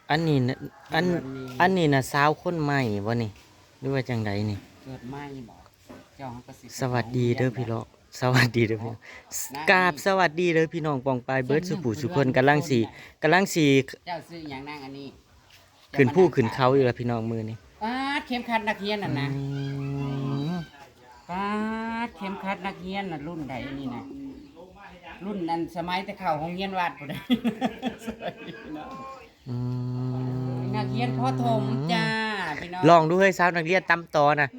อันนี้นะอันอันนี้นะสาวคนใหม่บ่นี่หรือว่าจังไดนี่เกิดไม่บอกเจ้าก็สิสวัสดีเด้อพี่น้องสวัสดีเด้อพี่น้องกราบสวัสดีเด้อพี่น้องปองปายเบิดสุผู้สุคนกำลังสิเจ้าซื้ออย่างนั่งอันนี้ขึ้นผู้ขึ้นเขาอยู่แล้วพี่น้องมือนี่ป้าดเข็มขัดนักเรียนน่ะนะอืมป้าดเข็มขัดนักเรียนน่ะรุ่นใดนี่นะรุ่นนั้นสมัยแต่เข้าโรงเรียนวัดพุ่นเด้อืมนักเรียนพ่อถมจ้าพี่น้องลองดูเฮ้ยสาวนักเรียนตำตอนะ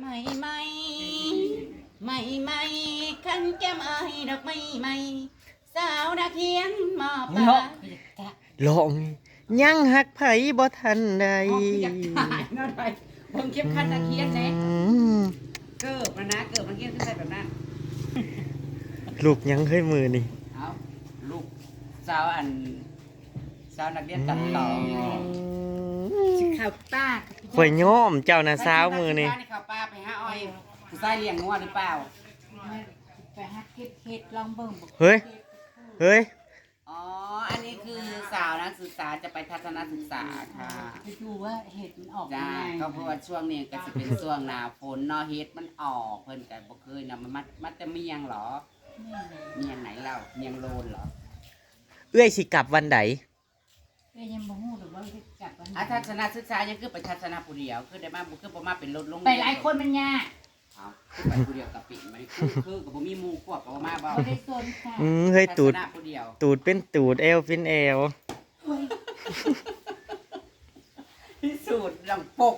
ไม่ขันแก้มอายดอกไม่สาวนักเรียนมอปลาลองยังหักไผบ่ทันใดอยากตายเนาะไดเบิ่งเข็มขัดนักเรียนแหน่อืมเกิบนะเกิบนักเรียนขึ้นไปแบบนั้นลูกยังเฮ้ยมือนี่เอาลูกสาวนักเรียนตัดต่อข่าวป้าข่อยย้อมเจ้านะสาวมือนี่ข่าวป้าไปหาอ้อยผู้ชายเลี้ยงงัวหรือเปล่าไปหาเก็บเห็ดลองเบิ่งบ่เฮ้ยอ๋ออันนี้คือสาวนักศึกษาจะไปทัศนศึกษาค่ะไปดูว่าเห็ดมันออกจ้ายังไงก็เพราะว่าช่วงนี้ก็จะเป็นช่วงหน้าฝนเนาะเฮ็ดมันออกเพิ่นก็บ่เคยนะมันจะเมียงเหรอเมียงไหนเล่าเมียงโลนเหรอเอื้อยสิกลับวันใดก็ยังบ่ฮู้หรอกว่าเฮ็ดกลับวันไหนทัศนศึกษายังคือไปทัศนผู้เดียวคือได้มาบ่คือบ่มาเป็นรถลงไปหลายคนมันยากเอาคือไปผู้เดียวกับปิ่นมันคือก็บ่มีหมู่ควบก็บ่มาบ่บ่ได้สนค่ะเฮ้ยตูดทัศนะผู้เดียวตูดเป็นตูดเอวเป็นเอวที่สุดลำปก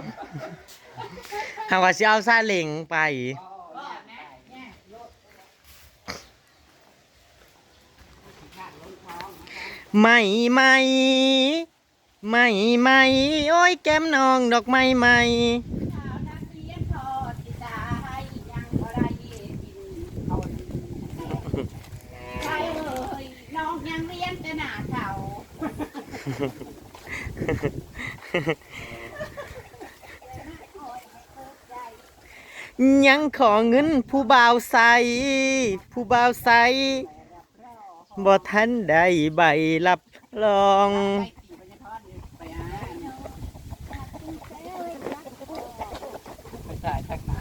หากว่าสิเอาซาเล็งไป ไม่โอ้ยแก้มน้องดอกไม้ไหมสาวนักเรียนทอดสิตายยังบ่ได้กินเอาใช่เลยน้องยังเรียนแต่หน้าเฒ่ายังขอเงินผู้บ่าวใสบ่ทันได้ใบรับรองไปอ่ะไปถ่ายทักมา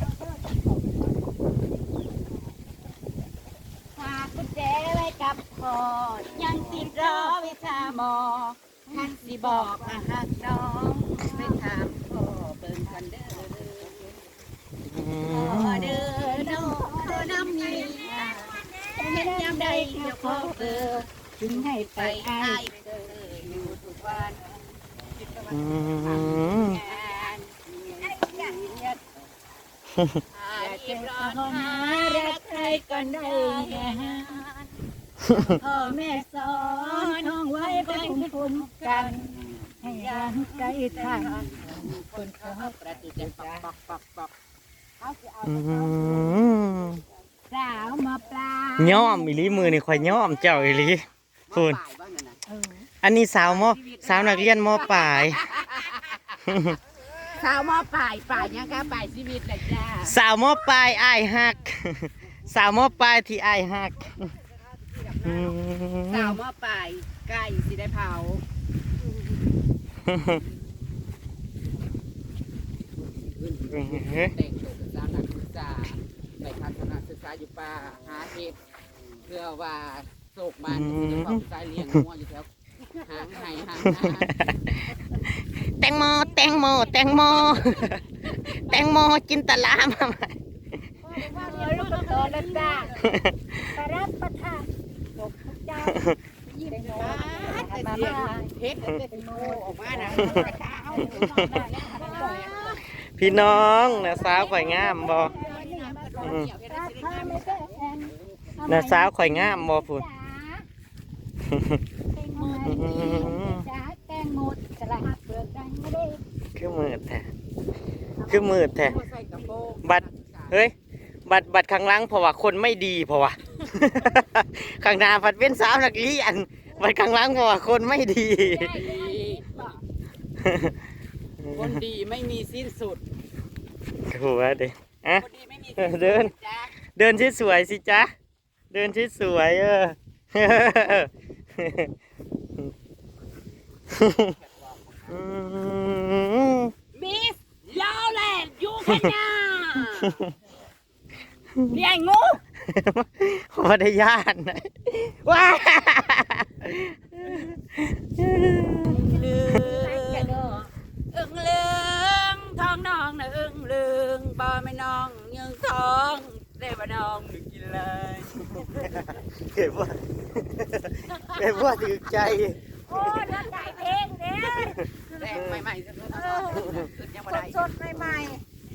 ฝากกุญแจไว้กับพ่อยังติดรอวิชาหมอท่านสิบอกมาหักน้องไปถามพ่อเบิ่งกันเด้อ พอเดินน้ำมีเห็นยามใดเจ้าพ่อเกิดถึงให้ไปอ้ายเกิดอยู่ทุกวันอืมงานเก็บรอนหารักใครก็ได้แค่พ่อแม่สอนน้องไว้เป็นภูมิกัน ให้ยังใกล้ทางคนเขาประตูจะปอกอืมสาวมาปลาย่อมอีหลีมือนี่ข่อยย่อมเจ้าอีหลีคุณป่ายบ้านนั่นน่ะอันนี้สาวนักเรียนมปลายสาวมาป่ายยังค่ะป่ายชีวิตแหละจ้าสาวมปลายอ้ายฮัก สาวมปลายที่อ้ายฮักอืมสาวมาป่ายใกล้สิได้เผาเด็กจบสาวนักศึกษาไปทัศนศึกษาอยู่ป่าหาเห็ดเพื่อว่าโศกมันจะเข้าใจเลี้ยงงัวอยู่แถวหางไห้หางนาแตงโมจินตลามาใหม่ว่าเดี๋ยวลูกโตแล้วจ้าไปรับประทานตกทุกเจ้ายิ้มหวานมาเฮ็ดเป็นโมออกมานะพี่น้องนะสาวข่อยงามบ่นะสาวข่อยงามบ่พุ่นจ้าแตงโมสลัดเปลือกดังไม่ได้คือมืดแท้ใส่กระโปรงบัตรเฮ้ยบัตรข้างหลังเพราะว่าคนไม่ดีเพราะว่า ข้างหน้าผัดเป็นสาวนักเรียนบัตรข้างหลังเพราะว่าคนไม่ดีคนดีไม่มีสิ้นสุดถูกแล้วดิอ่ะคนดีไม่มีสิ้นสุดเดินจ้าเดินที่สวยสิจ๊ะเดินที่สวยน่าเลี้ยงงูบ่ได้ย่านนะว้าลืม อึ้งเลืองท้องน้องนะอึ้งเลืองบ่ไม่น้องยังท้องได้บ่น้องหนูกินเลยเก็บว่าเก็บว่าถือใจโอ้ยรถไก่เพลงเด้แรงใหม่ๆสักขึ้นยังบ่ได้สดๆใหม่ๆ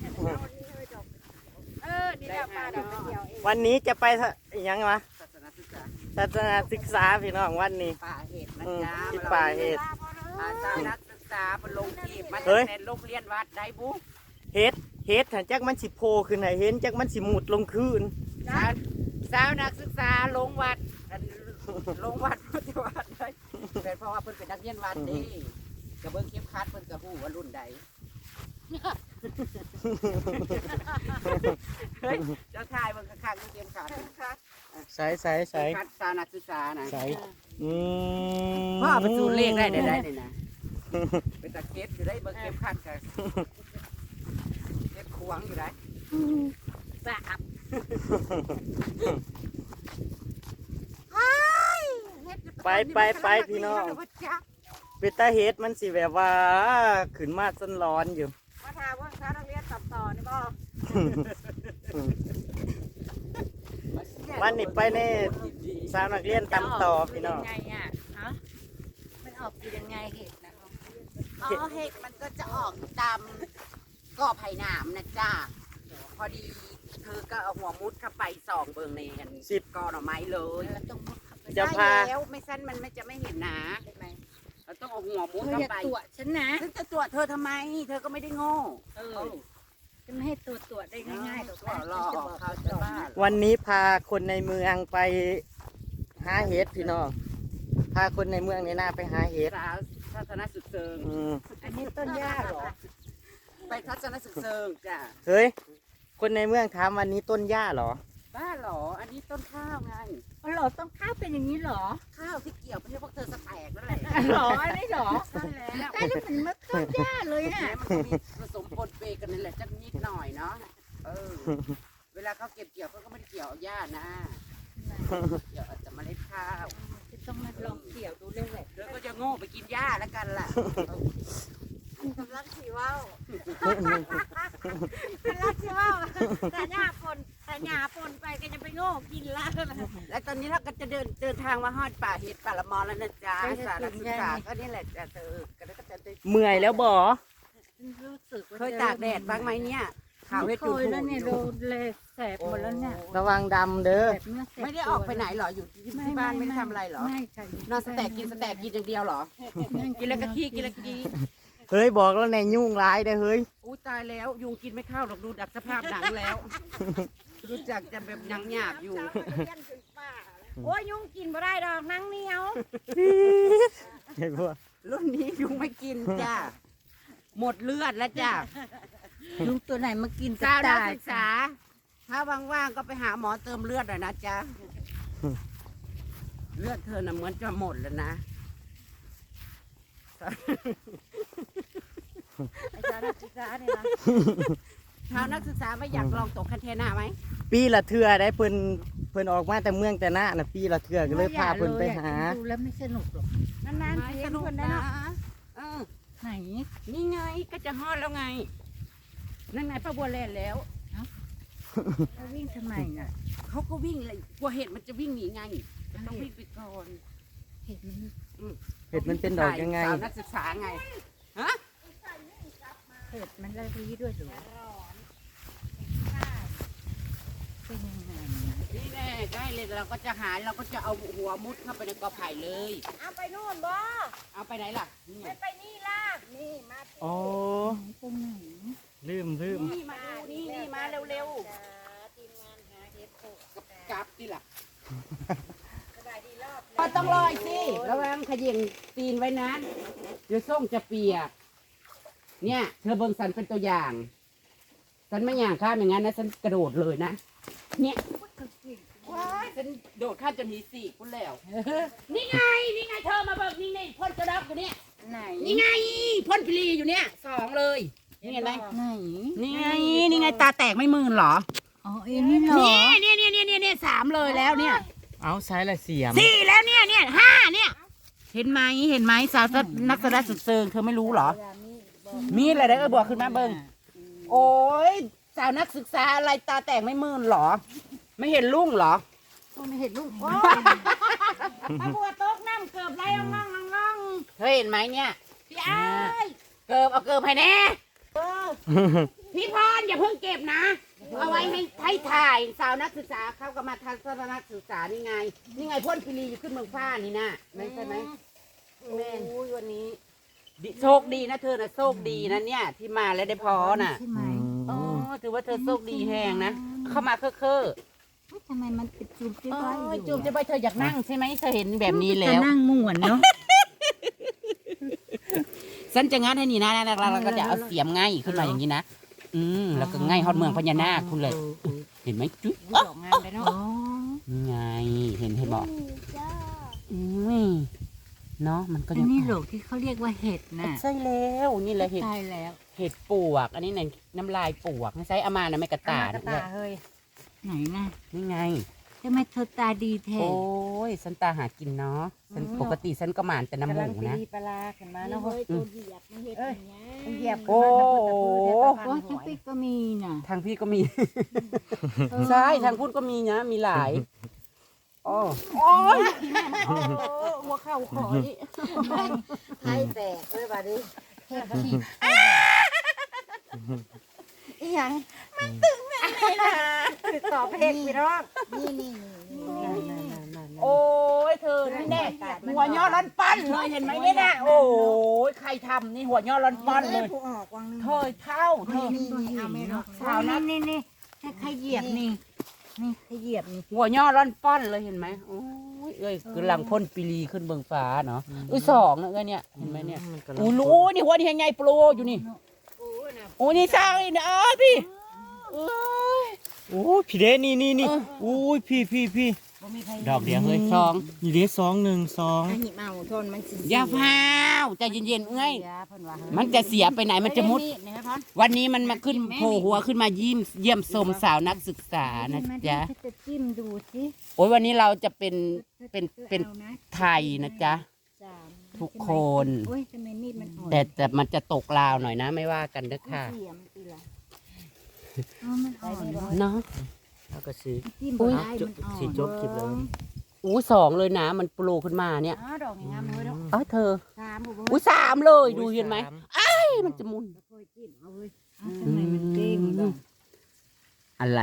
นี่เราปลาดอกกระเจียวเองวันนี้จะไปยังวะศาสนาศึกษาศาสนาศึกษาพี่น้องวันนี้ป่าเห็ดนะจ๊ะที่ป่าเห็ดอาจารย์นักศึกษาเป็นลงทีบมาเฮ้จากยในโรงเรียนวัดได้บุ๊เฮ็ดหันจักมันสิโพขึ้นให้เห็นจักมันสิหมุดลงคืนสาวนักศึกษาลงวัดลงวัดพุทธวัดได้เป็นเพราะว่าเพิ่นเป็นนักเรียนวัดนี่กระเบื้องเข็มขัดเพิ่นกระหู้ว่ารุ่นใดเฮ้ยเจ้าชายเบิ่งข้างๆเข็มขัดใส่เข็มขัดสาวนักศึกษานะใส่อืพ่อเป็นสูตรเลขได้เลยนะเป็นตะเก็บอยู่ได้เบิ่งเข็มขัดกันเก็บขวางอยู่ได้สาบไปพี่น้องเป็นตาเฮ็ดมันสิแบบว่าขึ้นมาจนร้อนอยู่มาถามว่าค้านักเรียนตัดต่อนี่บ่วันนี้ไปในสาวนักเรียนตำต่อพี่น้องไงอ่ะฮะมันออกอยู่ยังไงเห็ดนะอ๋อเห็ดมันก็จะออกตามก่อไผ่หนามนะจ้าพอดีเธอก็เอาหัวมุดเข้าไปส่องเบิ่งในอัน 10 กอหน่อไม้เลยเราต้องมุดเข้าไปจะพาได้แล้วไม่สั้นมันไม่จะไม่เห็นนะได้ไหมเราต้องเอาหัวมุดเธอเข้าอย่าไปตรวจฉันนะฉันจะตรวจเธอทำไม เธอก็ไม่ได้โง่จะไม่ให้ตรวจได้ง่ายๆหรอกก็นะรอออกเขาจะบ้าวันนี้พาคนในเมืองไปหาเฮ็ดพี่น้องพาคนในเมืองในหน้าไปหาเฮ็ดสาวทัศนศึกเซิงอืมอันนี้ต้นหญ้าเหรอไปทัศนศึกเซิงจ้ะเฮ้ยคนในเมืองถามวันนี้ต้นหญ้าเหรอบ้าเหรออันนี้ต้นข้าวไงอ๋อเหรอต้องข้าวเป็นอย่างนี้เหรอข้าวที่เกี่ยวไม่ใช่พวกเธอสแตกนั่นแหละเหรออันนี้เหรอใช่แล้วได้แล้วเหมือนมะต้นหญ้าเลยน่ะแม้มันก็มีผสมปนเปกันนั่นแหละจักนิดหน่อยเนาะเออ เวลาเขาเก็บเกี่ยวเขาก็ไม่ได้เกี่ยวเอาหญ้านะเกี่ยวอาจจะเมล็ดข้าวจะต้องมาลองเกี่ยวดูเรื่องแหละเธอก็จะโง่ไปกินหญ้าแล้วกันล่ะกำลังสีว่าวกำลังสีว่าวแต่หญ้าปนไปก็จะไปโง่กินละและตอนนี้เราก็จะเดินทางมาฮอดป่าเห็ดป่าละมอแล้วนะจ๊ะสารศึกษาก็นี่แหละจะเธอก็ได้ก็จะได้เมื่อยแล้วบ่รู้สึกว่าเคยตากแดดบ้างไหมเนี่ยขาวไม่เห็ดเคจุดยแล้วเนี่ยโดนเลยแสบหมดแล้วเนี่ยระวังดำเด้อแสบเนื้อแสบไม่ได้ออกไปไหนเหรออยู่ที่บ้านไม่ได้ทำอะไรเหรอไม่ค่ะนอนสแต็กกินอย่างเดียวเหรอกินแล้วก็ขี้กินแล้วก็ขี้เฮ้ยบอกแล้วในยุ่งร้ายเด้อเฮ้ยอู้ตายแล้วยุงกินไม่เข้าหรอกดูดับสภาพหนังแล้ว รู้จักจะแบบหนังหยาบอยู่โอ้ยยุงกินบ่ได้ดอกนังเหนียวเห็นปะรุ่นนี้ยุงไม่กินจ้าหมดเลือดแล้วจ้ายุงตัวไหนมากินสาวนักตายศึกษา ถ้าว่างๆก็ไปหาหมอเติมเลือดหน่อยนะจ๊ะ เลือดเธอน่ะเหมือนจะหมดแล้วนะไอ้สาวนักศึกษาเนี่ยนะชาวนักศึกษาไม่อยากลองตกคันเทน่าไหมปีละเทื่อได้เพิ่นออกมาแต่เมืองแต่หน้าน่ะปีละเทื่อก็เลยพาเพิ่นไปหาดูแล้วไม่สนุกหรอกนานๆไม่เพียสงนุกคนนะนะเออไหนนี่ไงก็จะฮอดแล้วไง นั่นไงป้าบัวแลนแล้วเขาวิ่งทำไมน่ะเขาก็วิ่งเลยกลัวเห็ดมันจะวิ่งหนีไงก็ต้องวิ่งไปก่อนเห็นมันเห็ดมันเป็นดอกยังไงสาวนักศึกษาไง ฮะเห็ดมันละรีด้วยหรือเป็นยังไงนะนี่แน่ใกล้เลยเราก็จะหาเราก็จะเอาหัวมุดเข้าไปในกอไผ่เลยเอาไปนู่นบ่เอาไปไหนล่ะนี่ไงไปนี่ล่ะนี่มาอ๋อตรงไหนลืมนี่มาดูนี่มาเร็วทีมงานหาเห็ดโขกๆกลับนี่ล่ะสบายดีรอบก็ต้องลอยสิระวังขยิงตีนไว้นะเดี๋ยวส้มจะเปียก เนี่ย เธอเบิ่งสันเป็นตัวอย่างสันไม่อย่างข้ามอย่างนั้นนะฉันกระโดดเลยนะ เนี่ยว้ายฉันโดดข้ามจนหีสี่คุณแล้ว นี่ไง นี่ไงเธอมาเบิ่งนี่ไงพ่นกระดอกอยู่เนี่ยไหนนี่ไงพ่นพลีอยู่เนี่ยสองเลยนี่เห็นไหมไหนนี่ไงตาแตกไม่มื่นเหรออ๋อเอ็นี่เหรอนี่สามเลยแล้วเนี่ยเอาใช้ละเสียมสี่แล้วเนี่ยห้าเนี่ย เห็นไหมสาวนักแสดงสุดเซิงเธอไม่รู้เหรอ มีอะไรได้บอกขึ้นมาเบิ้งโอ้ยสาวนักศึกษาอะไรตาแตกไม่มื่นเหรอ ไม่เห็นลุ่งเหรอไม่เห็นลูกโอ้ยบัวตกน้ำเกือบไรง่องเธอเห็นไหมเนี่ยพี่อ้ายเกิบเอาเกิบให้แน่พี่พรอย่าเพิ่งเก็บนะ เอาไว้ให้ถ่ายสาวนักศึกษาเขาก็มาทัศนศึกษานี่ไงพ่นพิรีอยู่ขึ้นเมืองฟ้านี่นะไม่ใช่ไหมแม่โอ้ยวันนี้โชคดีนะเธอนะโชคดีนะเนี่ยที่มาแล้วได้พอน่ะใช่ไหมอ๋อถือว่าเธอโชคดีแหงนะเข้ามาเค้อทำไมมันเป็นจุ่มจิ้ๆมโอ้ไว้ยอยู่จุ่มจะไปเธออยากนั่งใช่ไหมเธอเห็นแบบนี้แล้วนั่งม่วนเนาะฉันจะงัดให้นี่นะแล้วก็จะเอาเสียมง่ายขึ้นมาอย่างนี้นะแล้วก็ง่ายฮอดเมืองพญานาคคุณเลย เห็นไหมจุ๊ยดอกงามไปเนาะนี่ไงเห็นบอกเนาะมันก็อัยันงนี้โหลกที่เขาเรียกว่าเห็ดน่ะใช่แล้วนี่แหละเห็ดตายแล้วเห็ดปวก อันนี้เนี่ยน้ำลายปวกใช้อามานะไม่กระตาดเฮ้ยไหนน่ะนี่ไงทำไมเธอตาดีแท้โอ้ยสันตาหากินเนาะฉันปกติฉันก็หมานแต่น้ำหมูนะปลาขึ้นมาเนาะเฮ้ยตัวเหยียบมันเห็ดอย่างเงี้ยเหยียบโอ้โอ้ยทั้งปีกก็มีน่ะทางพี่ก็มี ใช่ทางพูดก็มีนะมีหลายโอ้ยหัวเข่าขอยให้แตกเลยบัดนี้เห็ดขี้อีหยังมันตึงแม่นะคือตอบเพลงพี่น้องนี่โอ้ยเธอนี่แน่หัวย่อร้อนปั้นเลยเห็นไหมเนี่ยนะโอ้ยใครทำนี่หัวย่อร้อนปั้นเลยผู้ออกวังนึงเธอเท่าเธอสาวนะนี่ให้ใครเหยียบนี่ใครเหยียบนี่หัวย่อร้อนปั้นเลยเห็นไหมโอ้ยเอ้ยกำลังพ่นปีรีขึ้นเบื้องฟ้าเนาะสองนะเนี่ยเห็นไหมเนี่ยโอ้รู้นี่หัวนี่ยังไงโปรอยู่นี่โอ้นี่สร้างนี่นะพี่โอ้ยพี่เด้นี่โอ้ยพี่ดอกเดียวเฮ้ยสองนี่เด้2 1 2 หิเมาทนมันสิอย่าพาวใจเย็นๆเอ้ยมันจะเสียไปไหนมันจะมุด วันนี้มันมาขึ้นโผล่หัวขึ้นมาเยี่ยมชมสาวนักศึกษานะจ๊ะจะจิ้มดูสิโอ้ยวันนี้เราจะเป็นไทยนะจ๊ะทุกคนโอ้ยทำไมมีดมันอ่อนแต่มันจะตกลาวหน่อยนะไม่ว่ากันเด้อค่ะเสียมตีละมันอ่อนเนาะแล้วก็ซื้อจิ้มอุ๊ยได้มันอ่อนสิจบคลิปเลยอู้สองเลยนะ มันโปรขึ้นมาเนี่ยดอกงามเลยเนาะเอ้ยเธอสามบุบอู้สามเลยดูเห็นไหมเอ้ยมันจะมุนค่อยจิ้มเอาเว้ยทำไมมันเก่งบ้างอะไร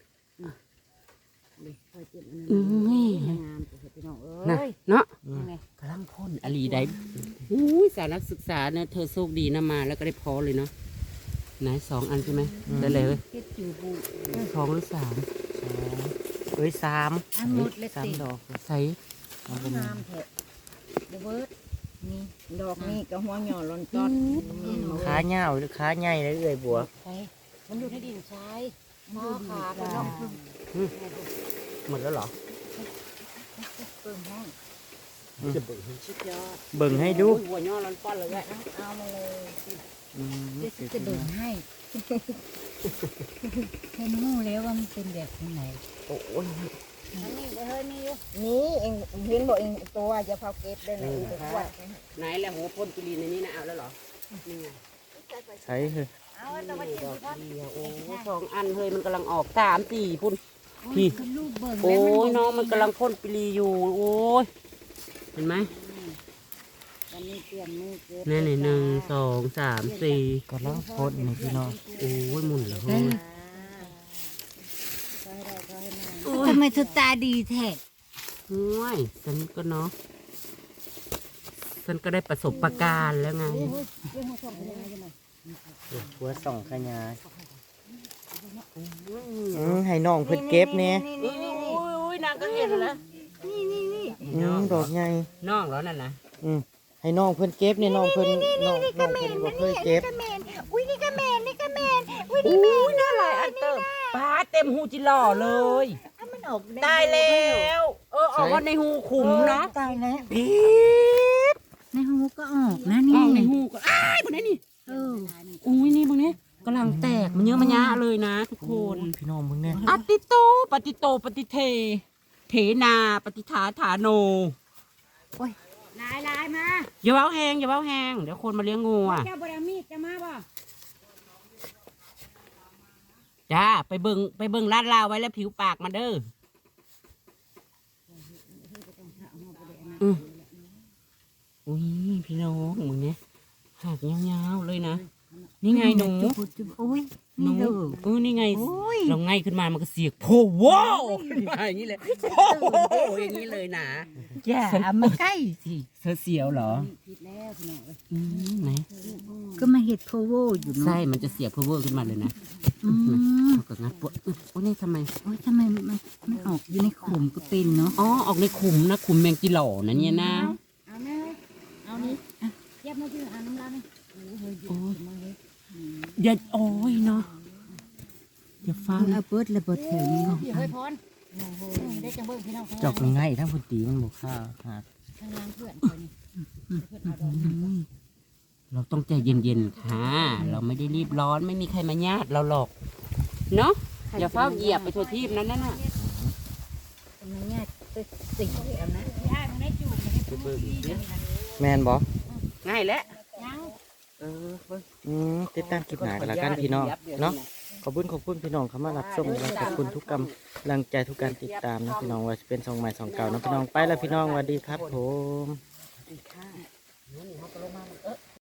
ค่อยจิ้มนี่งามตัวพี่น้องนะเอ้ยเนาะกำลังพ่นอลีได้อู้ยสาวนักศึกษาเนี่ยเธอโชคดีนะมาแล้วก็ได้พอเลยเนาะไหนสองอันใช่ไหมได้เลยเว้ยเฮ็ดจูบูสองหรือสามเอ้ย3 อันหมดเลยสามติดอกใส่งามแท้เดเบิร์ดนี่ดอกนี่กับหัวหย่อลอนต้นขาเหย้าหรือขาใหญ่เลยเอ้ยบัวมันอยู่ในดินทรายมอขาไปเนาะหมดแล้วเหรอเปิ่มห้องชุดยอดเบิ่งให้ดูหัวย่อร้อนป้อนเลยแหละเอามาเลยอืมเดี๋ยวจะเบิ่งให้เห็นงูแล้วว่ามันเป็นแบบไหนโอ้ยนี่เฮ้ยนี่นี่เองเห็นบอกเองตัวจะเผาเก็บได้ไหนอีกขวดไหนแหละหัวพ่นจุลีในนี้นะเอาแล้วเหรอนี่ไงใช้คือเอาตัวมาดจิ้มอกที่พ่อเดียวโอ้สองอันเฮ้ยมันกำลังออกสามสี่พุ่น พี่ลูกเบิ่งโอ้ยน้องมันกำลังพ่นปลีอยู่โอ้ยเห็นไหมวันนี้เตรียมมือเก็บนี่นี่หนึ่งสองสามสี่กำลังโพดนี่พี่น้องโอ้ยหมุนแล้วเฮ้ยทำไมเธอตาดีแท้ห่วยฉันก็เนาะฉันก็ได้ประสบประการณ์แล้วไงหัวส่องขยายให้น้องเพิ่นเก็บแหน่อุ้ยนางก็เห็นแล้วดอกใหญ่น้องแล้วนั่นนะให้น้องเพิ่นเก็บนี่น้องเพิ่นน้องเพิ่นบ่เคยเก็บอุ้ยนี่ก็แมนนี่ก็แมนอุ้ยอุ้ยน่าหลายอันเติมปลาเต็มหูจิหล่อเลยมันออกตายแล้วออกมาในหูขุมเนาะตายแล้วปี๊ดในหูก็ออกนะอนี่อกในหูก็อ้ายบนนี้นี่เอออุ้ยนี่บนนี้เลยนะทุกคนพี่น้องมึงเนี่ยอติโตปฏิโตปฏิเท เถนาปฏิฐาฐาโนลายมาอย่าเว้าแหงอย่าเว้าแหงเดี๋ยวคนมาเลี้ยงงูอ่ะเจ้าบรามีดจะมาบ่จ้าไปเบิ่งลาดลาวไว้แล้วผิวปากมาเด้ออืออุ้ยพี่น้องมึงเนี่ยหักยาวๆเลยนะนี่ไงหนูโอ้ยหนูนี่ไงโอ้ยเราง่ายขึ้นมามันก็เสียงโพว้าวขึ้นมาอย่างนี้เลยโพอย่างนี้เลยนะอย่ามาใกล้สิเธอเสียวเหรอผิดแล้วพี่น้องไหนก็มาเห็ดโพโวอยู่เนาะไส้มันจะเสียบเพอเวอร์ขึ้นมาเลยนะอืมเอากับงัดปวดโอ้นี่ทำไมโอ้ยทำไมมันออกอยู่ในขุมก็เป็นเนาะอ๋อออกในขุมนะขุมแมงจีหล่อนะเนี่ยนะเอาแม่เอานี่เย็บมาที่อ่างน้ำร้านนี่โอ้ยมาเลยอย่าโอ้ยเนาะอย่าฟังเอาเปิดระเบิดแถวนี้เฮ้ยพรโอ้โหได้จังเบิ้งพี่น้องจอกง่ายถ้าพุ่นตีมันบอกค่าหาข้างล่างเพื่อนคนนี้เพื่อนเอาดอกเราต้องใจเย็นๆค่ะ เราไม่ได้รีบร้อนไม่มีใครมาญาติเราหรอกเนาะอย่าเฝ้าเหยียบไปทั่วทีบนั้นน่ะตรงนี้เนี่ยสิ่งเดียวนะย่ามันได้จูบมันได้พูดดีแมนบอกง่ายแล้วยังติดตามคลิปหนากันละกันพี่น้องเนาะขอบคุณพี่น้องเข้ามารับชมและขอบคุณทุกกำลังใจทุกการติดตามนะพี่น้องว่าจะเป็น2 ใหม่ 2 เก่านะพี่น้องไปแล้วพี่น้องสวัสดีครับผมนี่เขาก็ลงมา